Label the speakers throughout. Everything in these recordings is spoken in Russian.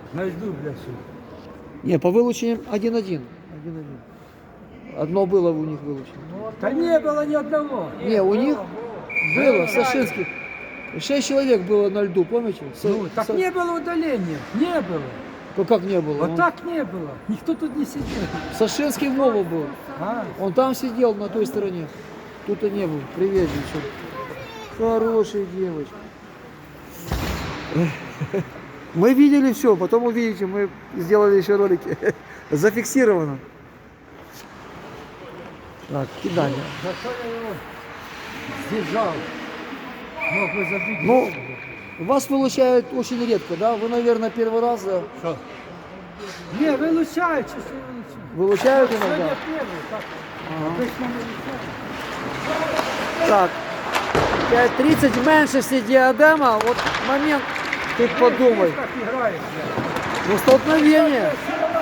Speaker 1: На льду, блядь, что.
Speaker 2: Не, по вылучениям 1-1. Одно было у них вылучено.
Speaker 1: Да не было ни одного.
Speaker 2: Не, у них было, Сашинских. 6 человек было на льду, помните?
Speaker 1: Ну, так не было удаления. Не было.
Speaker 2: Ну как не было?
Speaker 1: Вот так не было. Никто тут не сидел.
Speaker 2: Сашинский Вова был.
Speaker 1: А?
Speaker 2: Он там сидел, на той стороне. Тут и не был. Привет, девчонки. Хорошая девочка. Мы видели все, потом увидите, мы сделали еще ролики. Зафиксировано. Так, кидание.
Speaker 1: За что я его сдержал? Мог бы забить.
Speaker 2: Ну, вас вылучают очень редко, да? Вы, наверное, первый раз
Speaker 1: Что? Не, вылучают, что вылучают.
Speaker 2: вылучают иногда.
Speaker 1: Сегодня первый, так. Обычно вылучают.
Speaker 2: Так, 5:30 менше всі діадема. Вот момент, ты подумай.
Speaker 1: Как играет, блядь.
Speaker 2: Ну, столкновение.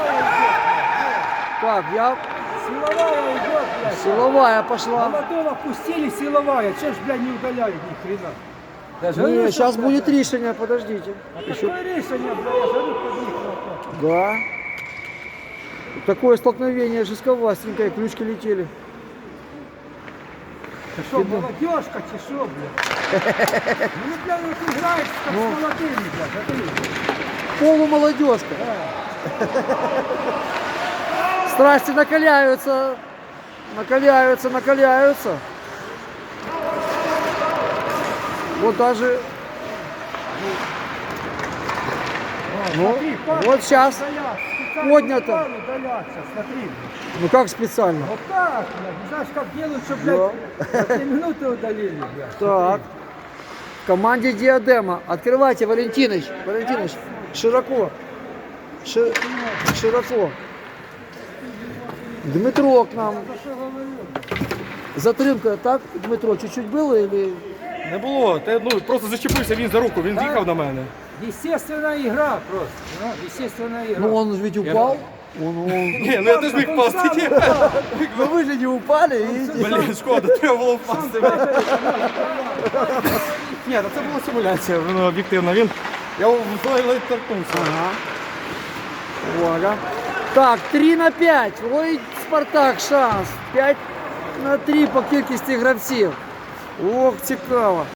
Speaker 2: Так, я...
Speaker 1: Силовая идет, блядь.
Speaker 2: Силовая пошла.
Speaker 1: Молодого пустили, силовая. Че ж, блядь, не удаляют ни хрена. Даже
Speaker 2: Не,
Speaker 1: Руся,
Speaker 2: сейчас
Speaker 1: блядь,
Speaker 2: будет решение, подождите. Еще...
Speaker 1: Какое решение, блядь, я жарю под них.
Speaker 2: Да. Такое столкновение жестковастенькое, ключки летели.
Speaker 1: Ты что, молодежка, ты что, блядь? Ну, блядь, вот играешь как
Speaker 2: Ну.
Speaker 1: с молодыми, блядь, смотри.
Speaker 2: Полумолодежка. Страсти накаляются. Накаляются, накаляются. Вот даже... Ну,
Speaker 1: Смотри, палец
Speaker 2: вот сейчас
Speaker 1: удаляться, специально
Speaker 2: поднято.
Speaker 1: палец удаляться, смотри.
Speaker 2: Ну как специально?
Speaker 1: Вот так, блядь, не знаешь, как делают, чтобы, блядь, за 3 минуты удалили, блядь.
Speaker 2: Так. В команде Диадема. Открывайте, Валентиныч. Валентиныч, широко. Широко. Дмитро к нам. Затримка, так, Дмитро, чуть-чуть было или...
Speaker 3: Не було, ну, просто зачепився він за руку, він з'їхав на мене.
Speaker 1: Естественная игра просто, ну, естественная игра.
Speaker 2: Ну он ведь упал.
Speaker 3: Ні, ну я теж міг впасти.
Speaker 2: Ну вы же не упали, видите?
Speaker 3: Блін, шкода, треба було впасти. Ні, та це була симуляція, воно об'єктивно. Я ледь торкнувся.
Speaker 2: Ага. Увага. Так, 3-5. Ой, Спартак шанс. 5-3 по кількості гравців. Ох, цікаво.